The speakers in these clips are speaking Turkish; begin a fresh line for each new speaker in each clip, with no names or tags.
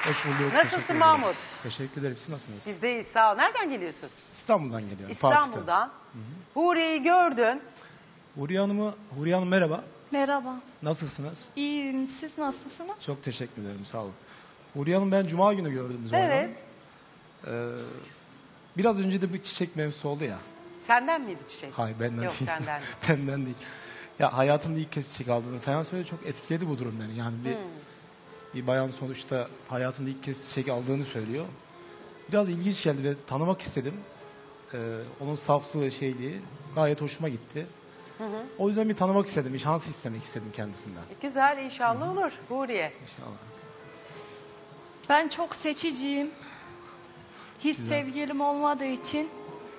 Hoş bulduk. Teşekkür
Nasılsın
ederim.
Mahmut?
Teşekkür ederim. Siz nasılsınız?
Biz deyiz, sağ ol. Nereden geliyorsun?
İstanbul'dan geliyorum.
İstanbul'dan. Huriye'yi gördün.
Huriye Hanım merhaba.
Merhaba.
Nasılsınız?
İyiyim. Siz nasılsınız?
Çok teşekkür ederim. Sağ olun. Huriye Hanım ben Cuma günü gördüm Zuhal
Evet.
Hanım. Biraz önce de bir çiçek mevzusu oldu ya.
Senden miydi çiçek?
Hayır benden
Yok,
değil.
senden değil.
Benden değil. Ya hayatımda ilk kez çiçek aldığını falan söyledi. Çok etkiledi bu durum beni. Yani bir bayan sonuçta hayatında ilk kez çiçek aldığını söylüyor. Biraz ilginç geldi ve tanımak istedim. Onun saflığı, şeyliği gayet hoşuma gitti. O yüzden bir tanımak istedim, bir şans istemek istedim kendisinden.
Güzel, inşallah olur Huriye.
İnşallah.
Ben çok seçiciyim. Hiç
Güzel.
sevgilim olmadığı için.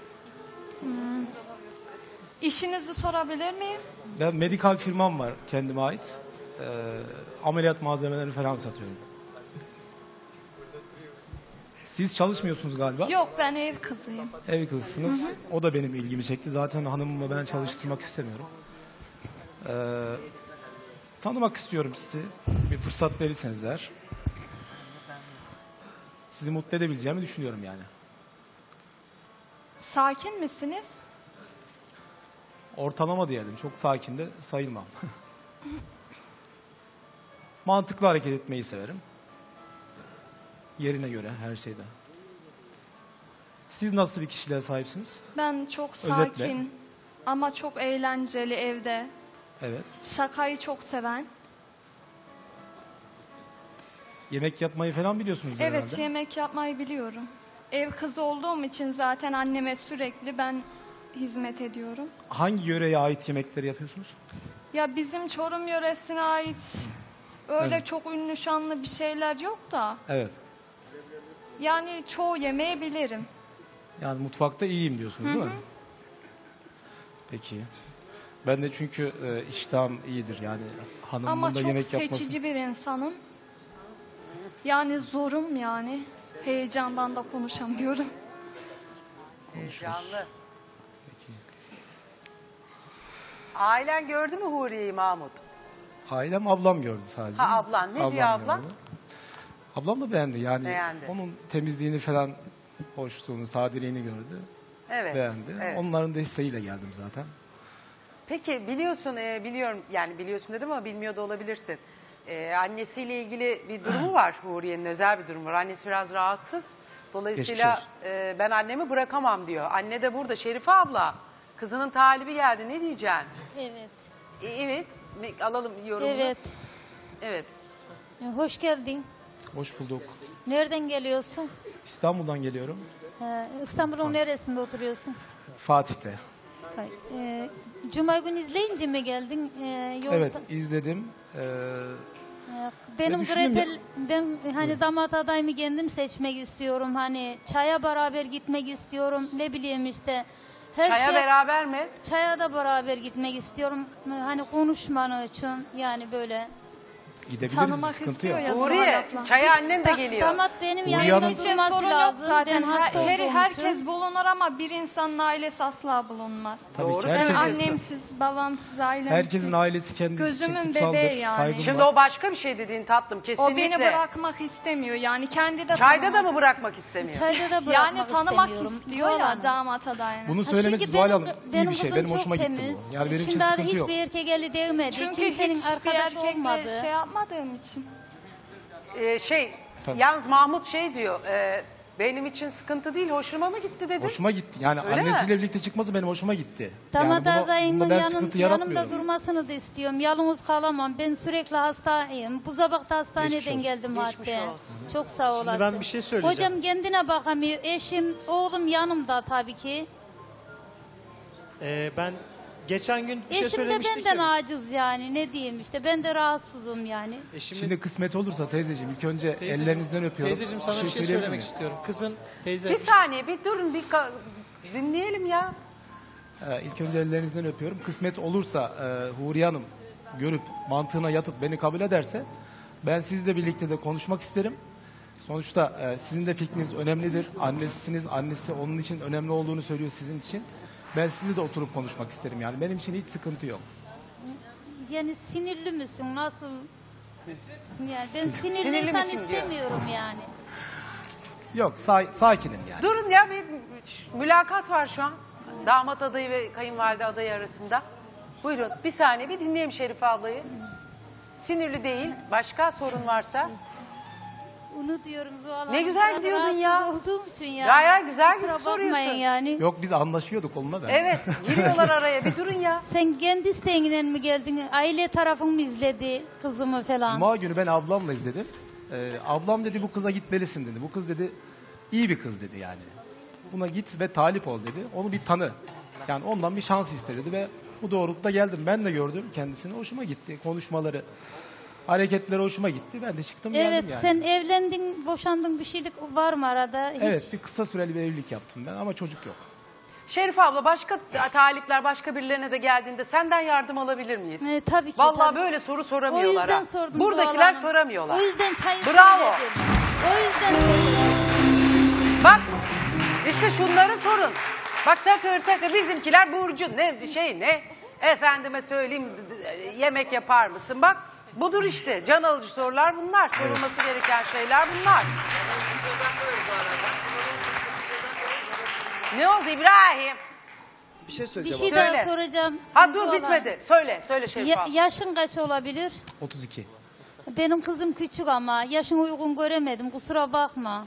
İşinizi sorabilir miyim?
Ben medikal firmam var kendime ait. Ameliyat malzemeleri falan satıyorum. Siz çalışmıyorsunuz galiba.
Yok, ben ev kızıyım.
Ev kızısınız. O da benim ilgimi çekti. Zaten hanımımı ben çalıştırmak istemiyorum. Tanımak istiyorum sizi. Bir fırsat verirseniz eğer. Sizi mutlu edebileceğimi düşünüyorum yani.
Sakin misiniz?
Ortalama diyelim. Çok sakin de sayılmam. Mantıklı hareket etmeyi severim. Yerine göre her şeyde. Siz nasıl bir kişiliğe sahipsiniz?
Ben çok
Özetle.
sakin ama çok eğlenceli evde.
Evet.
Şakayı çok seven.
Yemek yapmayı falan biliyorsunuz
Evet,
herhalde.
yemek yapmayı biliyorum. Ev kızı olduğum için zaten anneme sürekli ben hizmet ediyorum.
Hangi yöreye ait yemekleri yapıyorsunuz?
Ya bizim Çorum yöresine ait öyle
Evet.
çok ünlü şanlı bir şeyler yok da.
Evet.
Yani çoğu yemeği bilirim.
Yani mutfakta iyiyim diyorsunuz değil mi? Peki. Ben de çünkü iştahım iyidir yani hanımın
Ama
da
çok
yemek yapması.
seçici bir insanım. Yani zorum yani. Heyecandan da konuşamıyorum.
Konuşuruz.
Canlı.
Peki.
Ailen gördü mü Huriye'yi Mahmut?
Ailem ablam gördü sadece.
Ha, ablan. Ne diyor ablan?
gördü. Ablam da beğendi yani.
Beğendi.
Onun temizliğini falan, hoşluğunu, sadeliğini gördü.
Evet.
Beğendi.
Evet.
Onların desteğiyle geldim zaten.
Peki biliyorsun, biliyorum yani biliyorsun dedim ama bilmiyor da olabilirsin. Annesiyle ilgili bir durumu var Huriye'nin, özel bir durumu var. Annesi biraz rahatsız. Dolayısıyla
Geçmiş
ben annemi bırakamam diyor. Anne de burada. Şerife abla, kızının talibi geldi. Ne diyeceksin?
Evet.
Evet. Alalım yorumunu.
Evet.
Evet.
Hoş geldin.
Hoş bulduk.
Nereden geliyorsun?
İstanbul'dan geliyorum.
İstanbul'un neresinde oturuyorsun?
Fatih'te.
Cuma günü izleyince mi geldin? Yoksa
Evet izledim.
benim
düşündüm ya.
ben hani damat adayımı kendim seçmek istiyorum. Hani çaya beraber gitmek istiyorum. Ne bileyim işte.
Çaya beraber mi?
Çaya da beraber gitmek istiyorum. Hani konuşmanı için yani böyle.
Gidebiliriz, bir
Tanımak
sıkıntı
istiyor
yok.
ya.
Huriye,
abla.
çaya annen de geliyor.
Damat benim
Huriye
yanımda
Hanım-
için
durması
sorun yok
lazım.
zaten.
Ben hasta olduğum
Herkes
için.
bulunur ama bir insanın ailesi asla bulunmaz.
Tabii
Doğru
ki
Ben
söylüyorsun.
annemsiz, babamsız, ailemsiz.
herkesin ailesi kendisi
Gözümün
için kutsaldır.
bebeği yani.
Saygım
Şimdi
var.
o başka bir şey dediğin tatlım, kesinlikle.
O beni bırakmak istemiyor. Yani kendi de
Çayda da
tanımak-
mı bırakmak istemiyor?
Çayda da
Yani
bırakmak
tanımak
istemiyorum.
istiyor
Zuhal
ya
Hanım.
damat adayını.
Bunu
Ha,
söylemesi
çünkü
Zuhal Hanım iyi
benim
bir şey.
kızım
Benim
çok
hoşuma gitti
temiz.
bu. Yani benim için
Şimdi
sıkıntı yok.
hiçbir erkek eli değmedi.
Çünkü
Kimsenin
hiçbir
arkadaş
erkekle
olmadı.
şey yapmadığım için.
Tabii.
Yalnız Mahmut şey diyor, benim için sıkıntı değil, hoşuma mı gitti dedi.
Hoşuma gitti. Yani
Öyle
annesiyle
mi?
birlikte çıkması benim hoşuma gitti.
Damat
yani
adayımın
bunda ben sıkıntı
yanımda
yaratmıyorum.
durmasını da istiyorum. Yalnız kalamam. Ben sürekli hastayım. Bu sabah da
Geçmiş
hastaneden
olsun.
geldim
Geçmiş
hatta.
olsun.
Çok sağ olasın.
Şimdi ben bir şey söyleyeceğim.
Hocam kendine bakamıyor. Eşim, oğlum yanımda tabii ki.
Ben geçen gün bir şey
Eşim de
söylemiştik
benden
ya biz.
aciz yani. Ne diyeyim işte. Ben de rahatsızım yani.
Eşimin,
Şimdi kısmet olursa teyzeciğim ilk önce
Teyzeciğim,
ellerinizden öpüyorum.
Teyzeciğim sana bir şey
söyleyebilir
söylemek
miyim?
istiyorum. Kızın teyze.
Bir saniye, bir durun, dinleyelim ya.
İlk önce ellerinizden öpüyorum. Kısmet olursa Huriye Hanım görüp mantığına yatıp beni kabul ederse ben sizle birlikte de konuşmak isterim. Sonuçta sizin de fikriniz önemlidir. Annesisiniz. Annesi onun için önemli olduğunu söylüyor sizin için. Ben sizinle de oturup konuşmak isterim yani. Benim için hiç sıkıntı yok.
Yani sinirli misin? Nasıl? Yani ben sinirli
Sinirli
insan
misin diyor.
istemiyorum yani.
Yok sakinim yani.
Durun ya, bir mülakat var şu an. Damat adayı ve kayınvalide adayı arasında. Buyurun bir saniye bir dinleyelim Şerife ablayı. Sinirli değil. Başka sorun varsa.
Onu diyorum Zuhal Hanım.
Ne güzel
Biraz
gidiyordun
rahatsız
ya.
olduğum için yani.
Gayet güzel
Kusura
gidip
bakmayın
soruyorsun.
yani.
Yok biz anlaşıyorduk olmadı.
Evet giriyorlar araya, bir durun ya.
Sen kendi isteğinle mi geldin? Aile tarafın mı izledi kızımı falan?
Cuma günü ben ablamla izledim. Ablam dedi bu kıza gitmelisin dedi. Bu kız dedi iyi bir kız dedi yani. Buna git ve talip ol dedi. Onu bir tanı. Yani ondan bir şans istedi ve bu doğrultuda geldim. Ben de gördüm kendisini. Hoşuma gitti. Konuşmaları, hareketleri hoşuma gitti. Ben de çıktım
Evet,
geldim yani.
sen evlendin, boşandın, bir şeylik var mı arada? Hiç.
Evet, bir kısa süreli bir evlilik yaptım ben ama çocuk yok.
Şerife abla, başka talipler başka birilerine de geldiğinde senden yardım alabilir miyiz?
Tabii ki.
Vallahi
tabii.
böyle soru
O
soramıyorlar
yüzden
ha.
sordum.
Buradakiler
Zuhal Hanım.
soramıyorlar.
O yüzden çayı
Bravo.
söyledim. O yüzden söyledim.
Bak işte şunları sorun. Bak takır takır bizimkiler Burcu ne efendime söyleyeyim yemek yapar mısın? Bak budur işte, can alıcı sorular bunlar. Sorulması gereken şeyler bunlar. Ne oldu İbrahim?
Bir şey
Bir
söyleyeceğim.
şey
abla.
Söyle.
daha soracağım.
Ha dur
Zuhal Hanım.
bitmedi. Söyle Şerife abla.
Yaşın kaç olabilir?
32.
Benim kızım küçük ama yaşın uygun göremedim. Kusura bakma.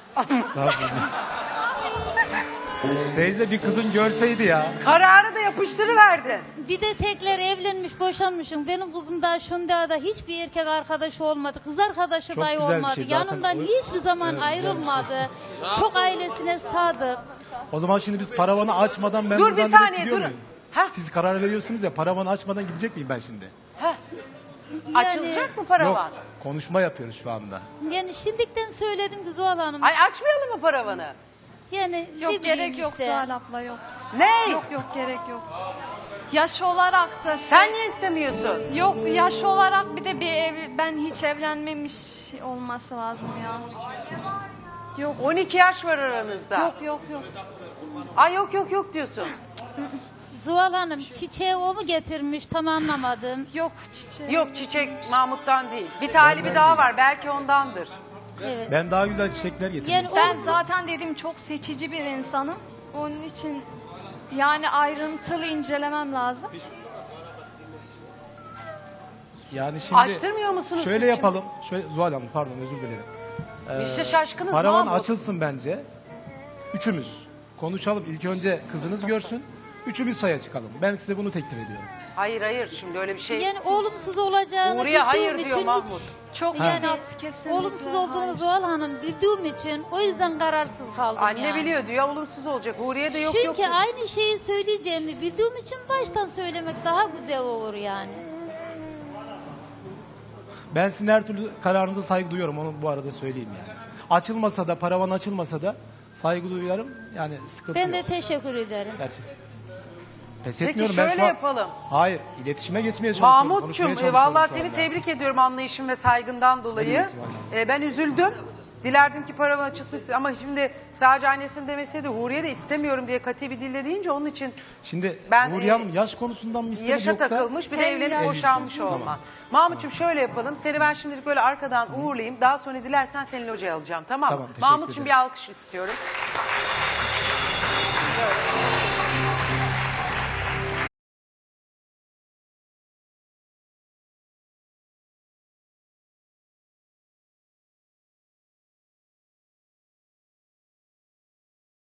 Teyze bir kızın görseydi ya.
Kararı da yapıştırıverdi.
Bir de tekrar evlenmiş, boşanmışım. Benim kızım daha şunda da hiçbir erkek arkadaşı olmadı. Kız arkadaşı
Çok
dahi
güzel bir
olmadı.
şey zaten.
Yanımdan
O-
hiçbir zaman
Evet, güzel bir şey.
ayrılmadı. Çok ailesine sadık.
O zaman şimdi biz paravanı açmadan ben
Dur
buradan
bir
direkt
saniye
gidiyor
dur.
muyum?
Ha?
Siz karar veriyorsunuz ya, paravanı açmadan gidecek miyim ben şimdi?
Ha?
Yani,
Açılacak mı paravan?
Yok, konuşma yapıyoruz şu anda.
Yani şimdiden söyledim Güzel Hanım.
Ay açmayalım mı paravanı?
Yani ne
Yok
bileyim
gerek yok
işte.
Zuhal abla yok.
Ne?
Yok gerek yok. Yaş olarak da
Sen niye istemiyorsun?
Yok yaş olarak bir de ben hiç evlenmemiş olması lazım ya. Yok
12 yaş var aranızda.
yok.
Ay yok diyorsun.
Zuhal Hanım çiçeği o mu getirmiş tam anlamadım.
Yok çiçeği.
Yok çiçek Mahmut'tan değil. Bir talibi
Ben
daha
değil.
var. Belki ondandır.
Evet.
Ben daha güzel çiçekler getirdim.
Yani
Ben zaten dedim çok seçici bir insanım. Onun için yani ayrıntılı incelemem lazım.
Yani şimdi
Açtırmıyor musunuz
şöyle
siz
yapalım. Şöyle Zuhal Hanım pardon özür dilerim.
Biz de şaşkınız
Paravan
Mahmut.
açılsın bence. Üçümüz konuşalım. İlk önce kızınız görsün. Üçümüz saya çıkalım. Ben size bunu teklif ediyorum.
Hayır şimdi öyle bir şey.
yani olumsuz olacağını
Uğur'ya hayır
bildiğim
diyor
için
Mahmut.
Çok
Ha.
yani kesinlikle.
olumsuz olduğunu Zuhal Hanım bildiğim için o yüzden kararsız kaldım
Anne
yani.
biliyor diyor olumsuz olacak. Huriye de yok
Çünkü
diyor.
aynı şeyi söyleyeceğimi bildiğim için baştan söylemek daha güzel olur yani.
Ben sizin her türlü kararınıza saygı duyuyorum. Onu bu arada söyleyeyim yani. Açılmasa da, paravan açılmasa da saygı duyuyorum. Yani sıkıntı
Ben de
yok.
teşekkür ederim.
Gerçekten. Pes
Peki
etmiyorum. Ben
şöyle
şu an...
yapalım.
Hayır, iletişime geçmeye çalışıyorum.
Mahmut'cum
konuşmaya çalışıyorum
vallahi
şu
seni
anda.
tebrik ediyorum anlayışın ve saygından dolayı.
Evet,
Ben üzüldüm. Dilerdim ki paravan açılsın ama şimdi sadece annesinin demeseydi Huriye de istemiyorum diye katı bir dille deyince onun için
Şimdi
Ben,
Nuriye Hanım yaş konusundan mı istemedi
yaşa
yoksa?
takılmış bir de
Hem
evlenip
yaş-
boşanmış
Tamam.
olma. Mahmut'cum şöyle yapalım. Seni ben şimdilik böyle arkadan uğurlayayım. Daha sonra dilersen seni locaya alacağım tamam mı?
Tamam, teşekkür
Mahmut'cum
ederim.
bir alkış istiyorum. Böyle.